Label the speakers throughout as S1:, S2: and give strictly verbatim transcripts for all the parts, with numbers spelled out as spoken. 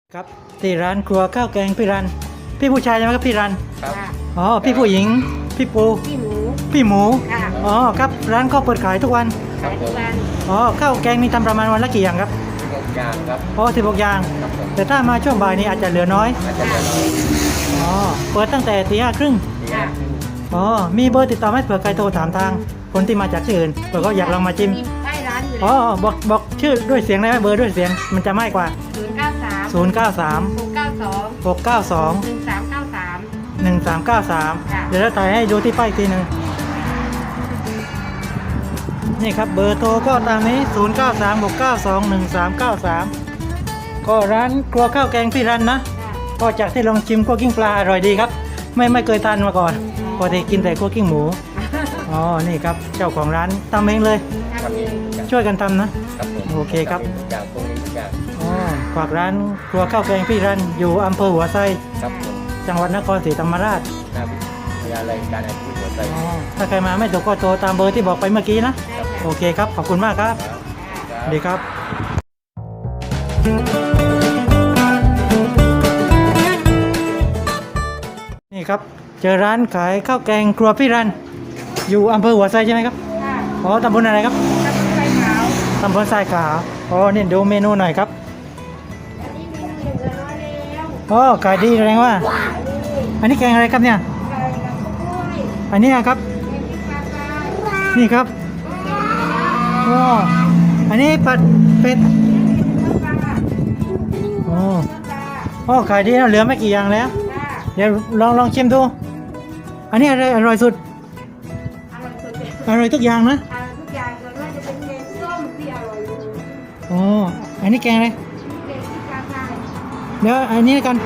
S1: ครับที่ร้านครัวข้าวแกงพี่รันพี่ผู้ชายใช่ไหมครับพี่รัน
S2: ครับ
S1: อ๋อพี่ผู้หญิงพี่ปู
S2: พี่หมู
S1: พี่หมู
S2: ค่ะ
S1: อ๋อครับร้านก็เปิดขายทุกวัน
S2: ขายทุกวัน
S1: อ๋อข้าวแกงมีทำประมาณวันละกี่อย่างครับ
S2: ทุกอย่างครับ
S1: อ๋อสิบหกอย่าง
S2: ครับผม
S1: แต่ถ้ามาช่วงบ่ายนี้อาจจะเหลือน้อย
S2: อาจจะเป็น
S1: อ๋อเปิดตั้งแต่ตีห้าครึ่ง
S2: ค่ะ
S1: อ๋อมีเบอร์ติดต่อไหมเผื่อใครโทรถามทางคนที่มาจากที่อื่นเผื่อเขาอยากลองมาชิม
S2: ใกล้ร้านอยู่
S1: อ๋อบอกบอกชื่อด้วยเสียงได้ไหมเบอร์ด้วยเสียงมันจะไม่กว่า
S2: ศูนย์เก้าสาม
S1: ศูนย์ เก้า สาม
S2: หกเก้าสอง
S1: หก เก้า สอง
S2: หนึ่งสามเก้าสาม
S1: หนึ่งสามเก้าสาม
S2: ค่ะ
S1: เดี๋ยวเราถ่ายให้ดูที่ป้ายอีกทีหนึ่งนี่ครับเบอร์โทรก็ตามนี้ ศูนย์ เก้า สาม หก เก้า สอง หนึ่งสามเก้าสาม ก็ร้านครัวข้าวแกงพี่รันนะ
S2: ค่ะ
S1: ก็จากที่ลองชิมคั่วกิ้งปลาอร่อยดีครับ ไม่ไม่เคยทานมาก่อนปกติกินแต่คั่วกิ้งหมู อ๋อ นี่ครับเจ้าของร้านทำเองเลย
S2: ทำเอง
S1: ช่วยกันทำนะ
S2: ครับผม
S1: โอเคครับ
S2: ทุกอย่างตรงนี้ทุกอย่าง
S1: อ๋อฝากร้านครัวข้าวแกงพี่รันอยู่อำเภอหัวไซ
S2: ครับผม
S1: จังหวัดนครศรีธรรมราช
S2: หน้าวิทยาลัยการอาชีพหัวใจ
S1: อ๋อถ้าใครมาไม่ถูกก็โทรตามเบอร์ที่บอกไปเมื่อกี้นะ
S2: ได้ค่ะ
S1: โอเคครับ ขอบคุณมากครับ
S2: ครับ
S1: สวัสดีครับ นี่ครับ เจอร้านขายข้าวแกงครัวพี่รัน อยู่อำเภอหัวไซใช่ไหมครับ
S2: ค่ะ
S1: อ๋อตำบลอะไรครับ
S2: กระปุกไฟขาว
S1: ตำบลทรายขาวอ๋อนี่ดูเมนูหน่อยครับ
S2: อันนี้มีหนึ่งเดือนร้อยแล้ว
S1: อ๋อขายดีแสดงว่า อันนี้แกงอะไรครับเนี่ย
S2: ไก่กับกล้วย
S1: อันนี้ครับ
S2: แกงพริกปลาปลา
S1: นี่ครับอ๋ออันนี้ผัดเป็ด
S2: ปลาปลา
S1: อ๋อ
S2: ปลา
S1: อ๋อขายดีนะเหลือไม่กี่อย่างแล้ว
S2: ค่ะ
S1: เดี๋ยวลองลองชิมดู อันนี้อะไรอร่อยสุด
S2: อร่อยสุดเลย
S1: อร่อยทุกอย่างนะ
S2: ทานทุกอย่างส่วนมากจะเป็นแกงส้มที่อร่อยอยู่
S1: อ๋ออันนี้แกงอะไร
S2: แกงที่กลางทาง
S1: เดี๋ยวอันนี้กัน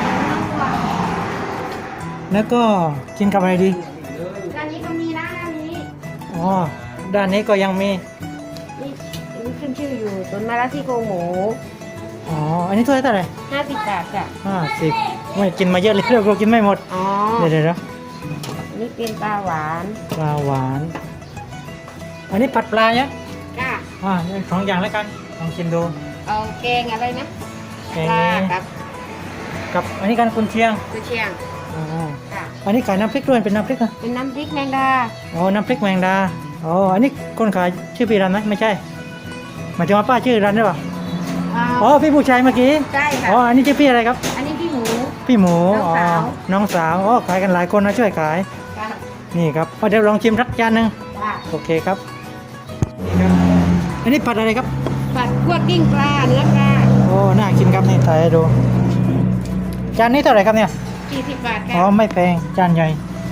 S1: แล้วก็กินกับอะไรดี
S2: ร้านนี้ก็มีนะร้านนี้
S1: อ๋อ ด้านนี้ก็ยังมี
S2: นี่นี่ขึ้นชื่ออยู่ต้นมะระที่โครงหมู
S1: อ๋อ อันนี้ถ้วยเท่าไหร่
S2: ห้าสิบบาทจ้ะ
S1: ห้าสิบไม่กินมาเยอะเลยเราก็กินไม่หมด
S2: อ๋อ
S1: เดี๋ยวเดี๋ยวเดี๋ยว
S2: อันนี่เป็นปลาหวาน
S1: ปลาหวาน อันนี้ผัดปลาเนี่ย
S2: ก้า
S1: อ่าสองอย่างแล้วกัน ลองชิมดู
S2: เอาแกงอะไรนะ
S1: แกง
S2: ปลา
S1: นี้
S2: กับ
S1: กับอันนี้กันกุนเชียง
S2: กุยเชียง
S1: อ๋อ
S2: ค่ะ
S1: อันนี้ขายน้ำพริกด้วยเป็นน้ำพริกอะ
S2: เป็นน้ำพริกแมงดา
S1: อ๋อ น้ำพริกแมงดา อ๋อ อันนี้คนขายชื่อพี่รันไหมไม่ใช่หมายถึงว่าป้าชื่อรันหรือเปล่า
S2: อ่า
S1: อ๋อ พี่ผู้ชายเมื่อกี้
S2: ใช่ค่ะ
S1: อ๋อ อันนี้ชื่อพี่อะไรครับ
S2: อันนี้พี่หมู
S1: พี่หมู
S2: น้องสาว
S1: น้องสาว อ๋อ ขายกันหลายคนนะช่วยขาย
S2: ค่ะ
S1: นี่ครับเอาเดี๋ยวลองชิมสักจานหนึ่ง
S2: ค่ะ
S1: โอเคครับ นี่ครับ อันนี้ผัดอะไรครับ
S2: ผัดคั่วกิ้งปลาเนื้อปลา
S1: โอ้ น่ากินครับนี่ถ่ายให้ดู จานนี้เท่าไหร่ครับเนี่ย
S2: สี่สิบบาท
S1: อ๋อ
S2: ค่ะ
S1: ไม่แพง จานใหญ่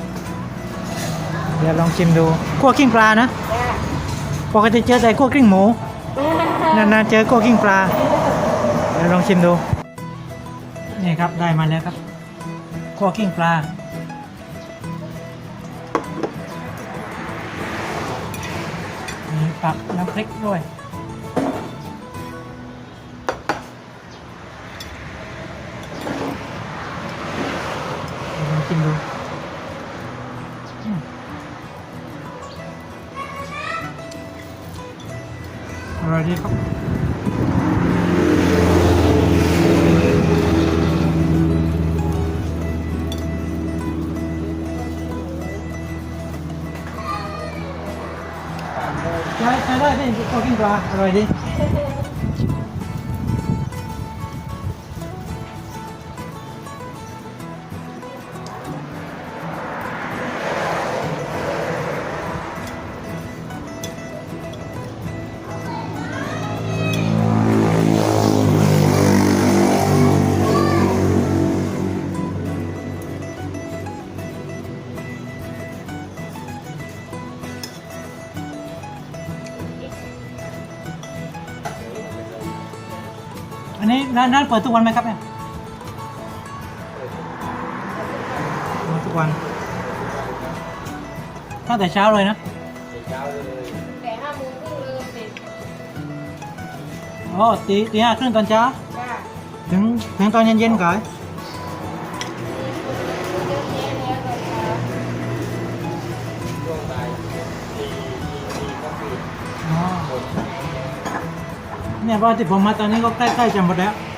S1: เดี๋ยวลองชิมดูคั่วกิ้งปลานะ
S2: จ้ะ
S1: ปกติเจอแต่คั่วกิ้งหมู นานๆเจอคั่วกิ้งปลา เดี๋ยวลองชิมดู นี่ครับได้มาแล้วครับคั่วกิ้งปลา มีผักน้ำพริกด้วยเดี๋ยวลองชิมดูอืมอร่อยดีครับใช้ใช้ได้พี่คั่วกิ้งปลาอร่อยดีอันนี้ร้านร้านเปิดทุกวันไหมครับเนี่ยเปิดทุกวันตั้งแต่เช้าเลยนะ
S2: แต่ห้าโมงครึ่งเลยเสร็จ
S1: อ๋อตีตีห้าครึ่งตอนเช้า
S2: จ้ะ
S1: ถึงถึงตอนเย็นๆขาย
S2: เยอะแยะแล้วตอนเช้า
S3: ช่วงบ่ายสี่สี่ก็ปิด
S1: อ๋อ
S3: หมด
S1: เนี่ยว่าที่ผมมาตอนนี้ก็ใกล้ๆจะหมดแล้ว